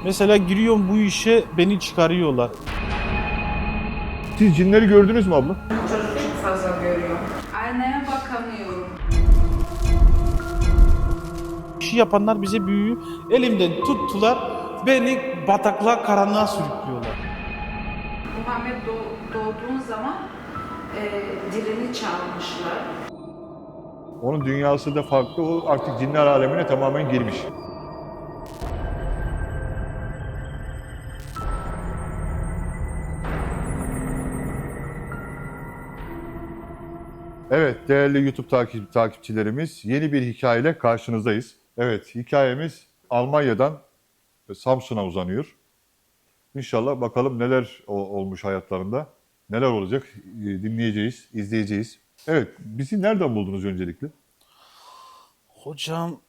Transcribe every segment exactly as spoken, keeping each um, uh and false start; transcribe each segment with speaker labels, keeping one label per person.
Speaker 1: Mesela giriyorum bu işe, beni çıkarıyorlar.
Speaker 2: Siz cinleri gördünüz mü abla?
Speaker 3: Çocuk çok fazla görüyor. Aynaya bakamıyorum.
Speaker 1: İşi yapanlar bize büyüyü elimden tuttular, beni bataklığa, karanlığa sürüklüyorlar.
Speaker 3: Muhammed doğ- doğduğun zaman e, dilini çalmışlar.
Speaker 2: Onun dünyası da farklı. O artık cinler alemine tamamen girmiş. Evet, değerli YouTube takip, takipçilerimiz, yeni bir hikayeyle karşınızdayız. Evet, hikayemiz Almanya'dan Samsun'a uzanıyor. İnşallah bakalım neler o- olmuş hayatlarında, neler olacak e, dinleyeceğiz, izleyeceğiz. Evet, bizi nereden buldunuz öncelikle?
Speaker 1: Hocam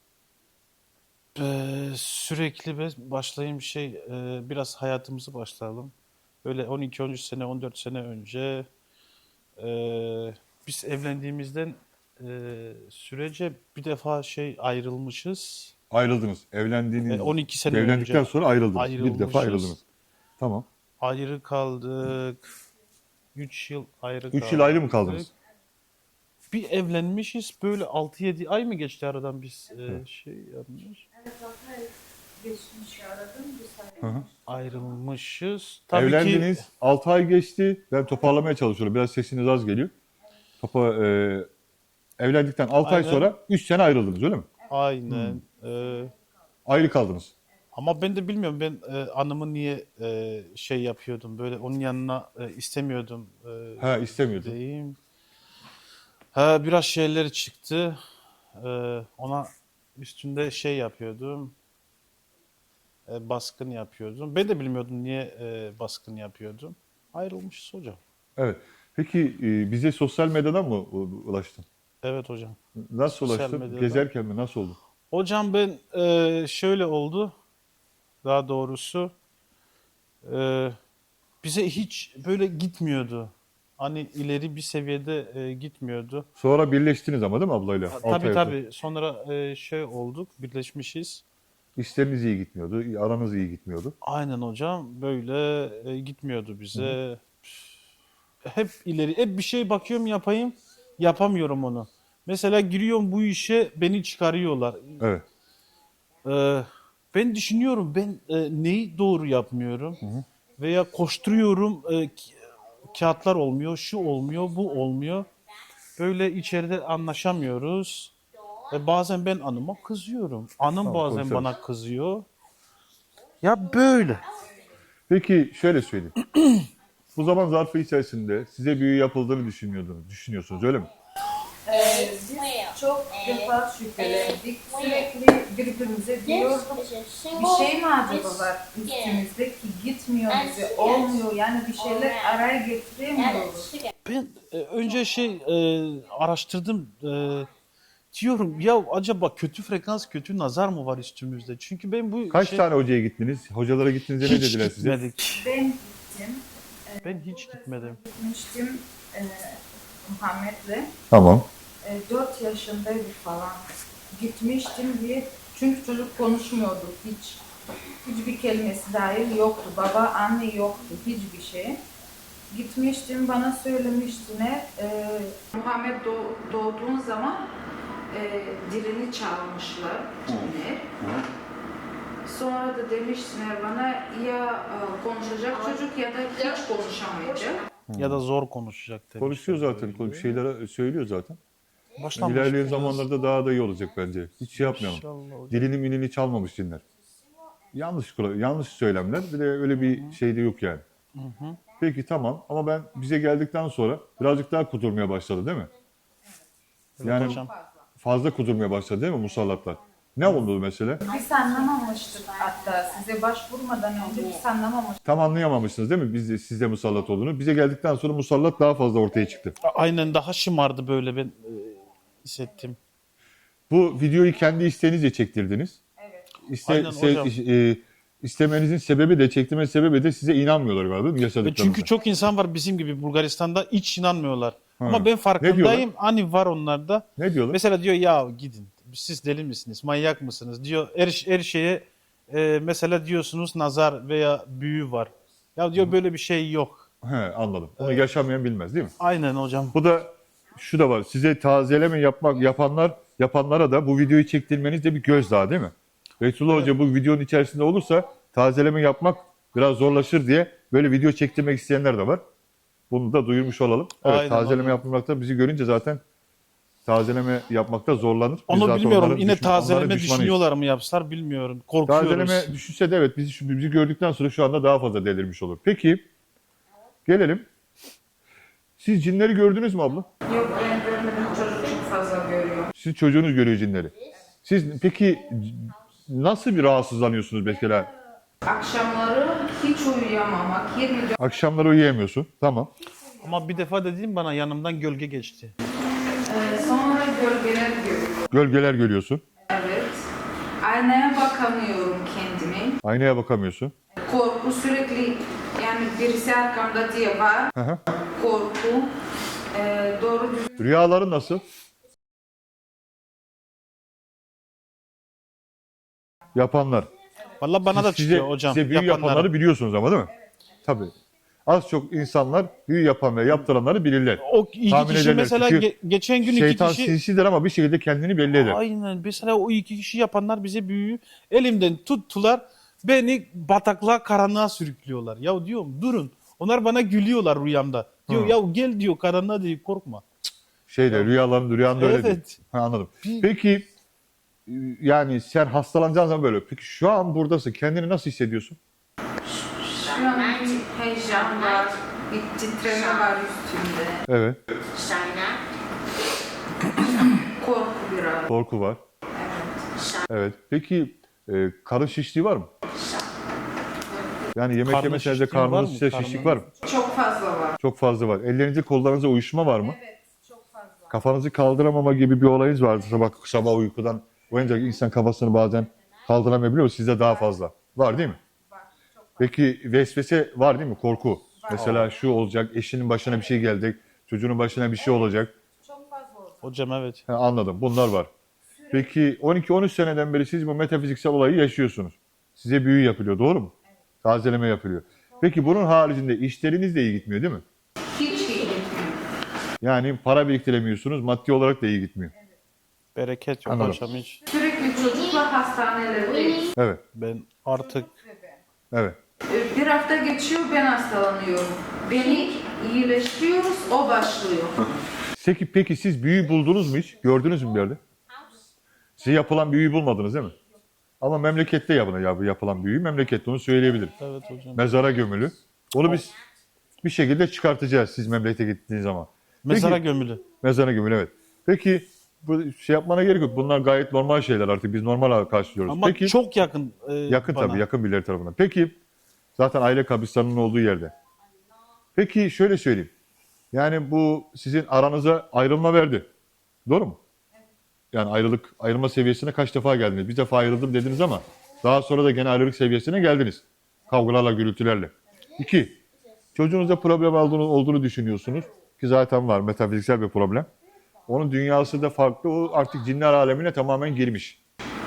Speaker 1: eee, sürekli be- başlayayım şey eee, biraz hayatımızı başlayalım. Böyle on iki on üç sene on dört sene önce eee, biz evlendiğimizden eee, sürece bir defa şey ayrılmışız.
Speaker 2: Ayrıldınız. Evlendiğiniz,
Speaker 1: E, on iki sene
Speaker 2: evlendikten
Speaker 1: önce
Speaker 2: sonra ayrıldınız. Bir defa
Speaker 1: ayrılmışız.
Speaker 2: ayrıldınız. Tamam.
Speaker 1: Ayrı kaldık. üç yıl ayrı
Speaker 2: Üç
Speaker 1: kaldık.
Speaker 2: yıl ayrı mı kaldınız?
Speaker 1: Bir evlenmişiz böyle altı yedi ay mı geçti aradan biz e, şey yapmış.
Speaker 3: Evet, zaten geçmiş aradım bir
Speaker 2: Hı hı.
Speaker 1: Ayrılmışız. Tabii
Speaker 2: Evlendiniz.
Speaker 1: ki
Speaker 2: altı ay geçti. Ben toparlamaya çalışıyorum. Biraz sesiniz az geliyor. Topa, e, evlendikten altı ay
Speaker 1: Aynen.
Speaker 2: sonra üç sene ayrıldınız öyle mi?
Speaker 1: aynen. e,
Speaker 2: Ayrı kaldınız.
Speaker 1: ama ben de bilmiyorum ben e, anımı niye e, şey yapıyordum böyle onun yanına e, istemiyordum. E,
Speaker 2: Ha, istemiyordun.
Speaker 1: diyeyim. Ha, biraz şeyler çıktı. E, ona üstünde şey yapıyordum. E, baskın yapıyordum. Ben de bilmiyordum niye e, baskın yapıyordum. Ayrılmışız hocam.
Speaker 2: Evet. Peki e, bize sosyal medyadan mı u- ulaştın?
Speaker 1: Evet hocam.
Speaker 2: Nasıl
Speaker 1: Sosyal
Speaker 2: ulaştın?
Speaker 1: medyadan.
Speaker 2: Gezerken mi? Nasıl oldu?
Speaker 1: Hocam ben e, şöyle oldu. Daha doğrusu e, bize hiç böyle gitmiyordu. Hani ileri bir seviyede e, gitmiyordu.
Speaker 2: Sonra birleştiniz ama değil mi ablayla? altı
Speaker 1: Tabii
Speaker 2: ay sonra.
Speaker 1: tabii. Sonra e, şey olduk, birleşmişiz.
Speaker 2: İşleriniz iyi gitmiyordu. Aranız iyi gitmiyordu.
Speaker 1: Aynen hocam. Böyle e, gitmiyordu bize. Hep ileri, hep bir şey bakıyorum yapayım, yapamıyorum onu. Mesela giriyorum bu işe, beni çıkarıyorlar.
Speaker 2: Evet.
Speaker 1: Ee, ben düşünüyorum ben e, neyi doğru yapmıyorum veya koşturuyorum e, ki- kağıtlar olmuyor, şu olmuyor, bu olmuyor. Böyle içeride anlaşamıyoruz. E, bazen ben anıma kızıyorum. Anım
Speaker 2: Tamam,
Speaker 1: bazen
Speaker 2: konuşalım.
Speaker 1: bana kızıyor. Ya böyle.
Speaker 2: Peki şöyle söyleyeyim. Bu zaman zarfı içerisinde size büyü yapıldığını düşünüyordunuz, düşünüyorsunuz öyle mi?
Speaker 3: Ee, biz çok defa şüphelendik. Sürekli birbirimize diyorduk. Bir şey mi acaba var üstümüzde ki gitmiyor bize, olmuyor. Yani bir şeyler araya getiremiyoruz.
Speaker 1: Ben e, önce şey e, araştırdım. E, diyorum ya acaba kötü frekans, kötü nazar mı var üstümüzde? Çünkü ben bu
Speaker 2: Kaç
Speaker 1: şey
Speaker 2: tane hocaya gittiniz? Hocalara gittiğinizde ne
Speaker 1: hiç
Speaker 2: dediler size?
Speaker 1: gitmedik.
Speaker 3: Ben gittim.
Speaker 1: Ben hiç gitmedim.
Speaker 3: Gitmiştim e, Muhammed'le.
Speaker 2: Tamam.
Speaker 3: E, dört yaşındaydı falan. Gitmiştim diye. Çünkü çocuk konuşmuyordu hiç. Hiçbir kelimesi dahil yoktu. Baba, anne yoktu. Hiçbir şey. Gitmiştim, bana söylemiştiler. E, Muhammed doğ- doğduğun zaman e, dilini çalmışlar. Cinler. Sonra da demiştiler bana ya e, konuşacak çocuk ya da hiç konuşamayacak.
Speaker 1: Ya da zor konuşacak demişler.
Speaker 2: Konuşuyor zaten.
Speaker 1: böyle.
Speaker 2: Bir şeyler söylüyor zaten.
Speaker 1: Başlamış
Speaker 2: İlerleyen
Speaker 1: biraz.
Speaker 2: zamanlarda daha da iyi olacak bence. Hiç şey yapmayalım.
Speaker 1: İnşallah hocam.
Speaker 2: Dilini milini çalmamış cinler. Yanlış kula- yanlış söylemler. Bir de öyle bir şey de yok yani. Peki tamam ama ben bize geldikten sonra birazcık daha kudurmaya başladı değil mi?
Speaker 1: Evet
Speaker 2: Yani
Speaker 1: hocam.
Speaker 2: fazla kudurmaya başladı değil mi musallatlar? Ne oldu mesela?
Speaker 3: Biz anlamamıştık hatta size başvurmadan önce biz anlamamıştık.
Speaker 2: Tam anlayamamışsınız değil mi biz de, sizde musallat olduğunu? Bize geldikten sonra musallat daha fazla ortaya çıktı.
Speaker 1: A- Aynen daha şımardı böyle ben e, hissettim.
Speaker 2: Bu videoyu kendi isteğinizle çektirdiniz.
Speaker 3: Evet.
Speaker 2: İste,
Speaker 1: Aynen
Speaker 2: se-
Speaker 1: hocam.
Speaker 2: e, istemenizin sebebi de çektirme sebebi de size inanmıyorlar galiba değil mi
Speaker 1: E,
Speaker 2: yaşadıklarınıza?
Speaker 1: çünkü çok insan var bizim gibi Bulgaristan'da hiç inanmıyorlar. Ama ben
Speaker 2: diyorlar?
Speaker 1: farkındayım. Hani var onlarda.
Speaker 2: Ne diyorlar?
Speaker 1: Mesela diyor ya gidin. Siz deli misiniz? Manyak mısınız? Diyor her, her şeye e, mesela diyorsunuz nazar veya büyü var. Ya diyor böyle bir şey yok.
Speaker 2: He, anladım. Onu yaşamayan bilmez değil mi?
Speaker 1: Aynen hocam.
Speaker 2: Bu da şu da var. Size tazeleme yapmak yapanlar yapanlara da bu videoyu çektirmeniz de bir gözdağı değil mi? Beytullah Hoca bu videonun içerisinde olursa tazeleme yapmak biraz zorlaşır diye böyle video çektirmek isteyenler de var. Bunu da duyurmuş olalım. Evet,
Speaker 1: Aynen,
Speaker 2: tazeleme
Speaker 1: aynen.
Speaker 2: yapmakta bizi görünce zaten tazeleme yapmakta zorlanır. Biz
Speaker 1: Onu
Speaker 2: zaten
Speaker 1: bilmiyorum.
Speaker 2: onların
Speaker 1: Yine
Speaker 2: düşman- onların
Speaker 1: tazeleme
Speaker 2: düşmanıyız.
Speaker 1: düşünüyorlar mı yapsalar bilmiyorum. Korkuyoruz.
Speaker 2: Tazeleme düşünse de evet bizi, bizi gördükten sonra şu anda daha fazla delirmiş olur. Peki gelelim. Siz cinleri gördünüz mü abla?
Speaker 3: Yok ben görmedim, çocuk çok fazla görüyor.
Speaker 2: Sizin çocuğunuz görüyor cinleri. Siz peki nasıl bir rahatsızlanıyorsunuz mesela?
Speaker 3: Akşamları hiç uyuyamamak, yirmi dört
Speaker 2: Akşamları uyuyamıyorsun. Tamam.
Speaker 1: Ama bir defa dediğim bana yanımdan gölge geçti.
Speaker 3: Ee, sonra gölgeler görüyor.
Speaker 2: Gölgeler görüyorsun.
Speaker 3: Evet. Aynaya bakamıyorum kendime.
Speaker 2: Aynaya bakamıyorsun.
Speaker 3: Korku sürekli, yani birisi arkamda diye var.
Speaker 2: Hı hı.
Speaker 3: Korku. Ee, doğru düzgün
Speaker 2: Rüyaların nasıl? Yapanlar.
Speaker 1: Vallahi bana da
Speaker 2: Siz-
Speaker 1: çıkıyor
Speaker 2: size,
Speaker 1: hocam.
Speaker 2: Size büyü
Speaker 1: yapanlara.
Speaker 2: yapanları biliyorsunuz ama değil mi? Tabii. Az çok insanlar büyü yapan ve yaptıranları bilirler.
Speaker 1: O iki
Speaker 2: Tahmin
Speaker 1: kişi
Speaker 2: ederler.
Speaker 1: mesela
Speaker 2: Çünkü
Speaker 1: ge- geçen gün iki
Speaker 2: Şeytan
Speaker 1: kişi
Speaker 2: sinsidir ama bir şekilde kendini belli eder.
Speaker 1: aynen mesela o iki kişi yapanlar bize büyüyü elimden tuttular. Beni bataklığa karanlığa sürüklüyorlar. Ya diyorum durun. Onlar bana gülüyorlar rüyamda. Diyor
Speaker 2: Hı.
Speaker 1: ya gel diyor karanlığa diyor korkma.
Speaker 2: Şeyde rüyaların rüyanda öyle değil.
Speaker 1: Evet.
Speaker 2: Ha, anladım.
Speaker 1: Bir-
Speaker 2: Peki yani sen hastalanacağın zaman böyle. Peki şu an buradasın. Kendini nasıl hissediyorsun?
Speaker 3: şu an bir heyecan var, bir titreme var üstümde.
Speaker 2: Evet.
Speaker 3: Korku biraz.
Speaker 2: Korku var. Evet. Peki e, karın şişliği var mı? Yani yemek
Speaker 1: Karnın
Speaker 2: yemeseniz de
Speaker 1: şişliği var
Speaker 2: karnınız
Speaker 1: mı?
Speaker 2: size
Speaker 1: Karnın-
Speaker 2: şişlik var mı?
Speaker 3: Çok fazla var.
Speaker 2: Çok fazla var. Ellerinizde kollarınıza uyuşma var mı?
Speaker 3: Evet, çok fazla.
Speaker 2: Kafanızı kaldıramama gibi bir olayınız vardı. Sabah, sabah uykudan uyanınca insan kafasını bazen kaldıramayabiliyor. Sizde daha fazla. Var değil mi?
Speaker 3: Var, çok fazla.
Speaker 2: Peki vesvese var değil mi? Korku. Mesela şu olacak, eşinin başına bir şey gelecek, çocuğunun başına bir şey olacak.
Speaker 3: Çok fazla oldu.
Speaker 1: Hocam evet.
Speaker 2: Ha, anladım. Bunlar var. Peki on iki on üç seneden beri siz bu metafiziksel olayı yaşıyorsunuz. Size büyü yapılıyor, doğru mu? Tazeleme yapılıyor. Peki bunun haricinde işleriniz de iyi gitmiyor değil mi?
Speaker 3: Hiç iyi gitmiyor.
Speaker 2: Yani para biriktiremiyorsunuz, maddi olarak da iyi gitmiyor.
Speaker 1: Bereket yok
Speaker 2: Anladım.
Speaker 1: hocam hiç.
Speaker 3: Sürekli çocukla hastanelerdeyiz.
Speaker 2: Evet,
Speaker 1: Ben artık
Speaker 2: evet.
Speaker 3: Ee, Bir hafta geçiyor, ben hastalanıyorum. Beni iyileştiriyoruz, o başlıyor.
Speaker 2: Peki, peki siz büyü buldunuz mu hiç? Gördünüz mü bir yerde? Size yapılan büyüyü bulmadınız değil mi? Ama memlekette yapılan, ya bu yapılan büyüyü memlekette onu söyleyebilirim.
Speaker 1: evet hocam.
Speaker 2: Mezara gömülü. Onu biz bir şekilde çıkartacağız siz memlekete gittiğiniz zaman.
Speaker 1: Mezara
Speaker 2: Peki-
Speaker 1: gömülü.
Speaker 2: Mezara gömülü evet. Peki bu şey yapmana gerek yok. Bunlar gayet normal şeyler artık. Biz normal karşılıyoruz.
Speaker 1: Ama
Speaker 2: Peki
Speaker 1: çok yakın e,
Speaker 2: yakın
Speaker 1: bana.
Speaker 2: tabii yakın birileri tarafından. Peki zaten aile kabristanının olduğu yerde. Peki şöyle söyleyeyim. Yani bu sizin aranıza ayrılma verdi. Doğru mu? Yani ayrılık ayrılma seviyesine kaç defa geldiniz? Bir defa ayrıldım dediniz ama daha sonra da gene ayrılık seviyesine geldiniz. Kavgalarla, gürültülerle. İki, çocuğunuzda problem olduğunu, olduğunu düşünüyorsunuz. Ki zaten var metafiziksel bir problem. Onun dünyası da farklı. O artık cinler alemine tamamen girmiş.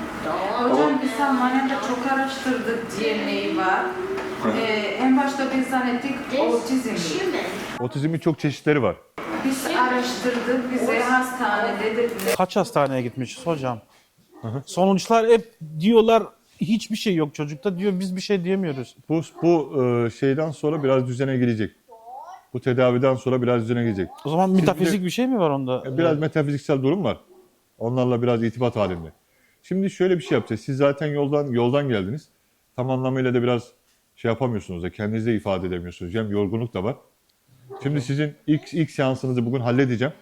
Speaker 3: Hocam biz Almanya'da çok araştırdık, D N A var. Ee, en başta biz zannettik otizm.
Speaker 2: Otizmin çok çeşitleri var.
Speaker 3: Biz araştırdık, bize hastanede dediler.
Speaker 1: Kaç hastaneye gitmişiz hocam? Sonuçlar hep diyorlar hiçbir şey yok çocukta diyor biz bir şey diyemiyoruz.
Speaker 2: Bu, bu e, şeyden sonra biraz düzene girecek. Bu tedaviden sonra biraz düzene girecek.
Speaker 1: O zaman metafizik bir şey mi var onda?
Speaker 2: Biraz metafiziksel durum var. Onlarla biraz irtibat halinde. Şimdi şöyle bir şey yapacağız. Siz zaten yoldan yoldan geldiniz. Tam anlamıyla da biraz şey yapamıyorsunuz da kendinizi de ifade edemiyorsunuz. Hem yorgunluk da var. Şimdi sizin ilk ilk seansınızı bugün halledeceğim.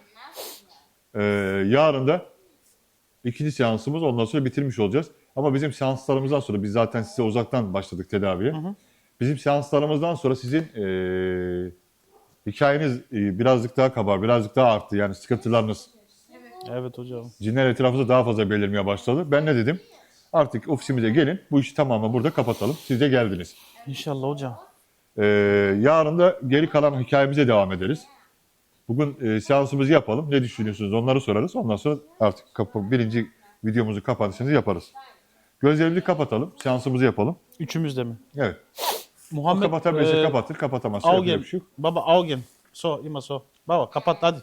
Speaker 2: Ee, yarın da ikinci seansımız ondan sonra bitirmiş olacağız. Ama bizim seanslarımızdan sonra biz zaten size uzaktan başladık tedaviye. Bizim seanslarımızdan sonra sizin ee, hikayeniz ee, birazcık daha kabar, birazcık daha arttı. Yani sıkıntılarınız.
Speaker 1: Evet hocam.
Speaker 2: Cinler etrafımızda daha fazla belirmeye başladı. Ben ne dedim? Artık ofisimize gelin. Bu işi tamamen burada kapatalım. Siz de geldiniz.
Speaker 1: İnşallah hocam.
Speaker 2: Ee, yarın da geri kalan hikayemize devam ederiz. Bugün e, seansımızı yapalım. Ne düşünüyorsunuz? Onları sorarız. Ondan sonra artık kapı, birinci videomuzu kapanışını yaparız. Gözlerimizi kapatalım. Seansımızı yapalım.
Speaker 1: Üçümüz de mi?
Speaker 2: Evet.
Speaker 1: Muhammed
Speaker 2: Kapatabilirse
Speaker 1: e,
Speaker 2: kapatır, kapatamazsa yapacak
Speaker 1: Augen.
Speaker 2: bir şey yok.
Speaker 1: Baba Augen. So, ima so. Baba kapat hadi.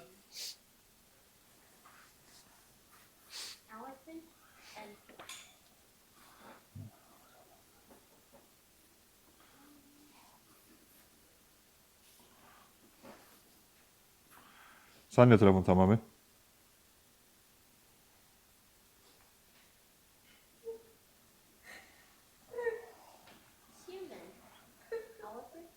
Speaker 4: Elephant and
Speaker 2: Sen ne tarafın tamamen?
Speaker 4: human. Elephant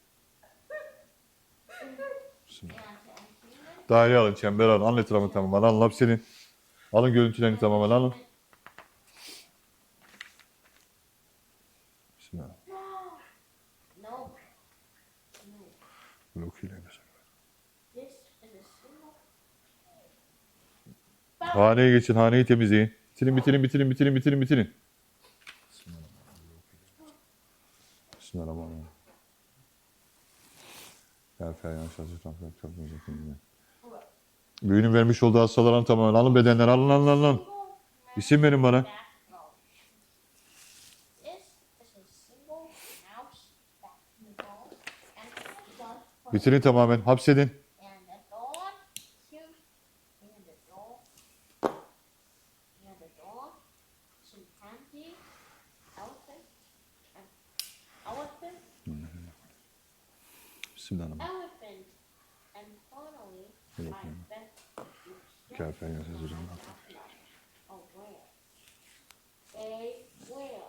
Speaker 2: Bismillah.
Speaker 4: and and human.
Speaker 2: Daire alın, çember alın. Alın etrafını tamamen. Alın hapsinin. Alın görüntülerini tamamen alın. Bismillah.
Speaker 4: No. No.
Speaker 2: Bunu okuyayım.
Speaker 4: This is a symbol.
Speaker 2: Haneye geçin, haneyi temizleyin. Bitirin, bitirin, bitirin, bitirin, bitirin, bitirin. Bismillahirrahmanirrahim. Ya Feryan Şahsı Tanrı çok müzik. Büyünün vermiş olduğu hastaların tamamen alın bedenler, alın, alın, alın, alın. İsim verin bana.
Speaker 4: Back row. This is a symbol. Mouse back in the ball and the dog.
Speaker 2: Bitirin tamamen, hapsedin.
Speaker 4: And the dog. Here. And the dog. And the dog. Chimpanzee. Elephant. And elephant.
Speaker 2: Bismillahirrahmanirrahim.
Speaker 4: Elephant. And finally,
Speaker 2: Hello,
Speaker 4: I
Speaker 2: Pam.
Speaker 4: bet.
Speaker 2: Gel Feryan Şahsı Tanrı.
Speaker 4: Oh, where? A where?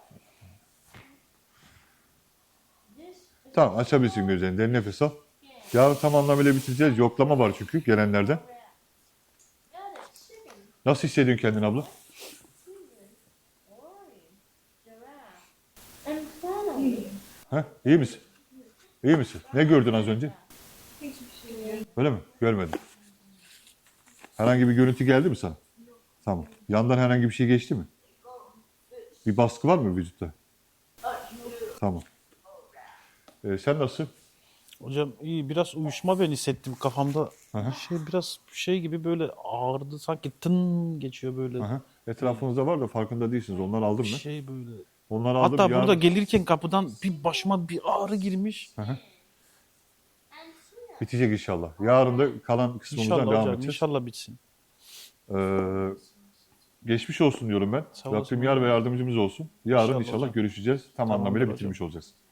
Speaker 4: This is
Speaker 2: Tamam, açabilirsin gözlerini, derin nefes al. Yarın tam anlamıyla bitireceğiz. Yoklama var çünkü gelenlerden.
Speaker 4: got a chicken,
Speaker 2: Nasıl hissediyorsun kendini abla?
Speaker 4: human, lion, giraffe, and finally,
Speaker 2: Ha? İyi misin? İyi misin? Ne gördün az önce?
Speaker 3: Hiçbir şey yok.
Speaker 2: Öyle mi? Görmedim. Herhangi bir görüntü geldi mi sana? Tamam. Yandan herhangi bir şey geçti mi? Bir baskı var mı vücutta? Tamam. Ee, sen nasılsın?
Speaker 1: Hocam iyi biraz uyuşma ben hissettim kafamda.
Speaker 2: Aha.
Speaker 1: Şey biraz şey gibi böyle ağrıdı sanki tın geçiyor böyle.
Speaker 2: Aha. Etrafınızda var da farkında değilsiniz. Onları aldım
Speaker 1: Bir
Speaker 2: mı?
Speaker 1: şey böyle.
Speaker 2: Onları aldım.
Speaker 1: Hatta
Speaker 2: yarın-
Speaker 1: burada gelirken kapıdan bir başıma bir ağrı girmiş.
Speaker 4: and here.
Speaker 2: Bitecek inşallah. Yarın da kalan kısmımızdan
Speaker 1: İnşallah
Speaker 2: devam
Speaker 1: hocam
Speaker 2: edeceğiz.
Speaker 1: inşallah bitsin.
Speaker 2: Ee, geçmiş olsun diyorum ben.
Speaker 1: Sağ olasın
Speaker 2: Rabbim yar ve yardımcımız olsun. Yarın
Speaker 1: İnşallah
Speaker 2: inşallah
Speaker 1: hocam.
Speaker 2: görüşeceğiz. Tam
Speaker 1: Tamamdır
Speaker 2: anlamıyla
Speaker 1: hocam.
Speaker 2: bitirmiş olacağız.